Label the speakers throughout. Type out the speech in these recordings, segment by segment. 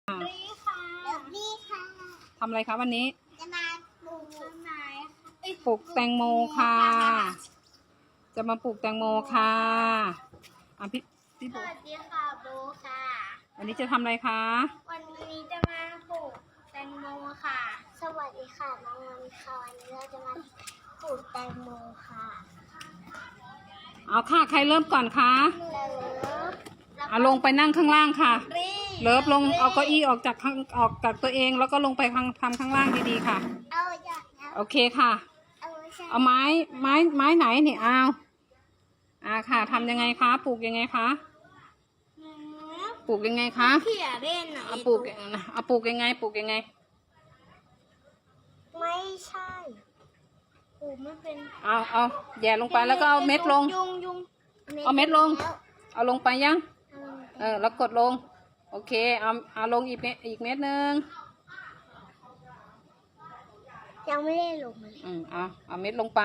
Speaker 1: ดีค่ะดีค่ะ
Speaker 2: ทำอะไรคะวันนี้
Speaker 1: จะมาปลูกต้นไม้
Speaker 2: ปลูกแตงโมค่ะ จะมาปลูกแตงโมค่ะพี่
Speaker 1: สวัสดีค่ะโบค่ะ
Speaker 2: วันนี้จะทำอะไรคะ
Speaker 1: วันนี้จะมาปลูกแตงโมค่ะสวัสดีค่ะน้องวันค่ะวันนี้เราจะมาปลูกแตงโมค่ะ
Speaker 2: เอาค่ะใครเริ่มก่อนคะเอาลงไปนั่งข้างล่างค่ะเลิฟลงเอาเก้าอี้ออกจากตัวเองแล้วก็ลงไปทำข้างล่างดีๆค่ะโอเคค่ะเอาไม้ไหนเนี่ยเอาค่ะทำยังไงคะปลูกยังไงคะปลูกยังไงคะ
Speaker 1: เขี่ยเล่นอ่ะ
Speaker 2: เอาปลูกยังไงปลูกยังไง
Speaker 1: ไม่ใช่ปลูกไม่เป็น
Speaker 2: เอาแย่ลงไปแล้วก็เอาเม็ดลงเอาเม็ดลงเอาลงไปยังแล้วกดลงโอเคเอาลงอีกเม็ดนึง
Speaker 1: ยังไม่ได้ลงเลย
Speaker 2: เอาเม็ดลงไป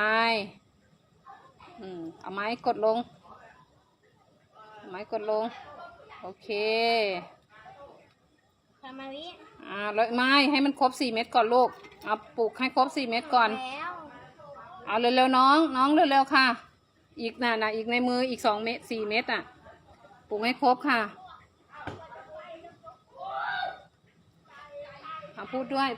Speaker 2: เอาไม้กดลงโอเค
Speaker 1: ทำมาวิ
Speaker 2: แล้วไม้ให้มันครบ4 เม็ดก่อนลูกเอาปลูกให้ครบ4 เม็ดก่อนเอาเร็วๆน้องเร็วๆค่ะอีกน่ะอีกในมืออีก2 เม็ด4 เม็ดอ่ะปลูกให้ครบค่ะพูดด้วย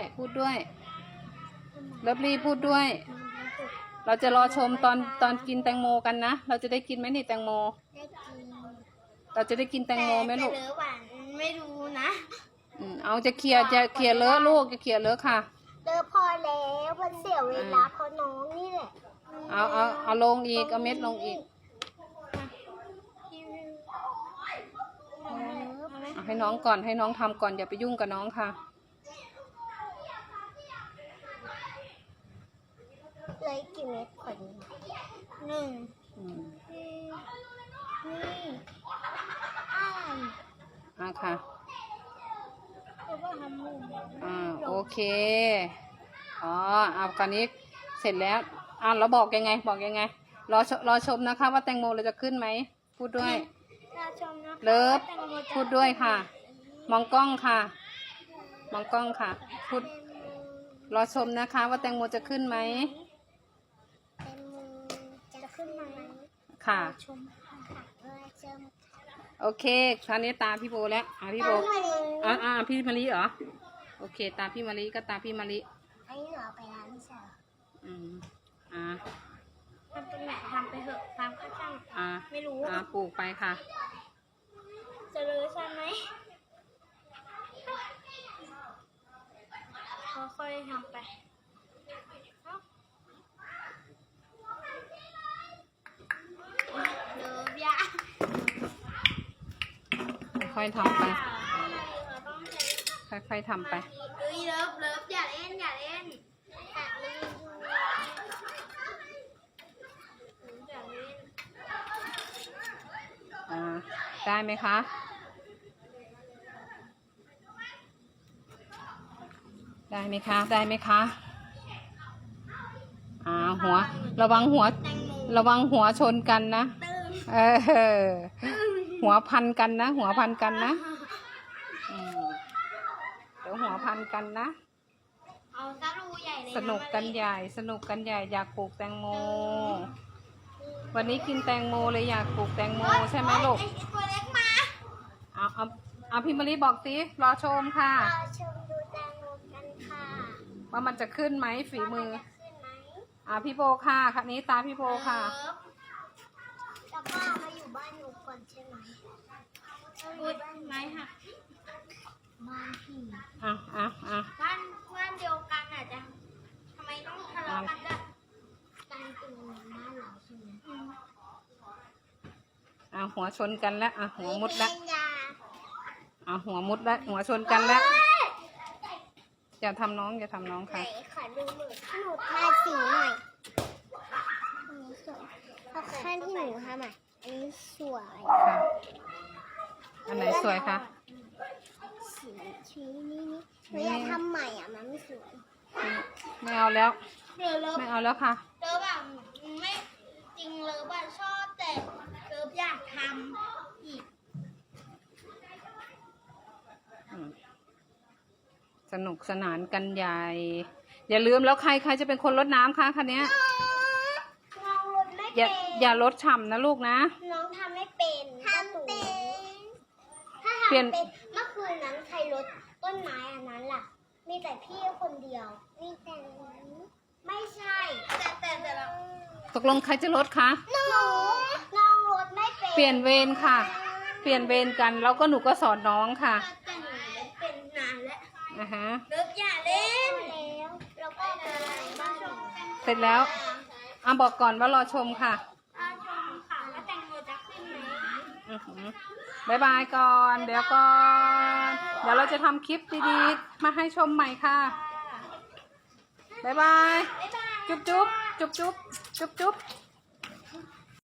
Speaker 2: เลิฟลี่พูดด้วยเราจะรอชมตอนกินแตงโมกันนะเราจะได้กินไหมนี่แตงโมเราจะได้กินแตงโมไหมลูก
Speaker 1: แต่เลอะหวานไม่รู้นะ
Speaker 2: เอาจะเขี่ยเลอะลูกจะเขี่ยเลอะค่ะ
Speaker 1: เลอะพอแล้วมันเสียเวลาเพราะน้องนี่แหละ
Speaker 2: เอาลงอีกเอาเม็ดลงอีกให้น้องก่อนให้น้องทำก่อนอย่าไปยุ่งกับน้องค่ะ
Speaker 1: เลยกี่เม็ดก่อน1นี่
Speaker 2: ค่ะโอเคเอาการนี้เสร็จแล้วเราบอกยังไงรอชมนะคะว่าแตงโมเราจะขึ้นไหมพูดด้วยเลิฟพูดด้วยค่ะมองกล้องค่ะพูดรอชมนะคะว่าแตงโมจะขึ้นไหม
Speaker 1: จะขึ้นไหม
Speaker 2: ค่ะโอเคคราวนี้ตาพี่โบแล้วพี่โบพี่มะลิเหรอโอเคตาพี่มะลิก็ตาพี่มะลิ
Speaker 1: อันนี้หนูเอาไปร้านไม่ใช่ทำเป็นแบบทำไปเถอะทำก็ช่างไม่รู้
Speaker 2: ปลูกไปค่ะ
Speaker 1: จะเลยใช่ไหมค่อยๆทำไปเลิฟยา
Speaker 2: ค่อยๆทำไปค่อยๆทำไป
Speaker 1: เลิฟอย่าเล่น
Speaker 2: ได้ไหมคะหัวระวังหัวชนกันนะหัวพันกันนะเดี๋ยวหัวพันกันนะ
Speaker 1: เอาซะรูใหญ่เลย
Speaker 2: สนุกกันใหญ่อยากปลูกแตงโมวันนี้กินแตงโมเลยอยากปลูกแตงโมใช่ไหมลูก
Speaker 1: ตัวเล็กมา
Speaker 2: เอาพี่มะลิบอกสิรอชมค่ะ
Speaker 1: รอชมดูแตงโมกันค่ะ
Speaker 2: ว่ามันจะขึ้นไหมฝีมือพี่โบค่ะครั้นี้ตาพี่โบค่ะ
Speaker 1: แล้วก็มาอยู่บ้านหนูก่อนใช่ไหมไม่ค่ะบ้านพี่บ้านเดียวกันอ่ะจะทำไมต้องทะเลาะกันด้วยการเป็นบ้านเราใช่ไหม
Speaker 2: หัวชนกันแล้วหัวมุดแล้วหัวมุดแล้วหัวชนกันแล้วอย่าทำน้องค่ะ
Speaker 1: ขอดูมือหนูทาสีหน่อยเอาขั้นที่หนูทำอันนี้สวย
Speaker 2: อันไหนสวยคะ
Speaker 1: สีนี้เราจะทำใหม่มันไม่สวย
Speaker 2: ไม่เอาแล้วค่ะ
Speaker 1: เลิฟแบบไม่จริงเลิฟแบบชอบแต่เลิฟอยากทำอีก
Speaker 2: สนุกสนานกันใหญ่ อย่าลืมแล้วใครจะเป็นคนรดน้ำคะคันนี้
Speaker 1: น้องรดไม่
Speaker 2: อย่า
Speaker 1: เป็น
Speaker 2: อย่ารดฉ่ำนะลูกนะ
Speaker 1: น้องทำไม่เป็นทำเป็นถ้า
Speaker 2: เปลี่ยน
Speaker 1: ทำเป็นเมื่อคืนนั้นใครรดต้นไม้อันนั้นล่ะ มีแต่พี่คนเดียว มีแต่ไม่ใช่แต่เรา
Speaker 2: ตกลงใครจะรดคะ
Speaker 1: น้องรดไม่เป็น
Speaker 2: เปลี่ยนเวรค่ะ เปลี่ยนเวรกันแล้วก็หนูก็สอนน้องค่ะ
Speaker 1: แต่หนูเป็นนานแล้ว
Speaker 2: อ่าฮะ
Speaker 1: เลิกอย่าเล่นแล้วแล้วก็มาชมกัน
Speaker 2: เสร็จแล้วบอกก่อนว่ารอชมค่ะ
Speaker 1: ชมค่ะว่าแตงโมจะขึ้นไหม
Speaker 2: อือหือบายบายก่อน เดี๋ยวก่อน เดี๋ยวเราจะทำคลิปดีๆ มาให้ชมใหม่ค่ะบายบาย
Speaker 1: บ๊ายบาย
Speaker 2: จุ๊บจุ๊บจุ๊บจุ๊บจุ๊บจุ๊บ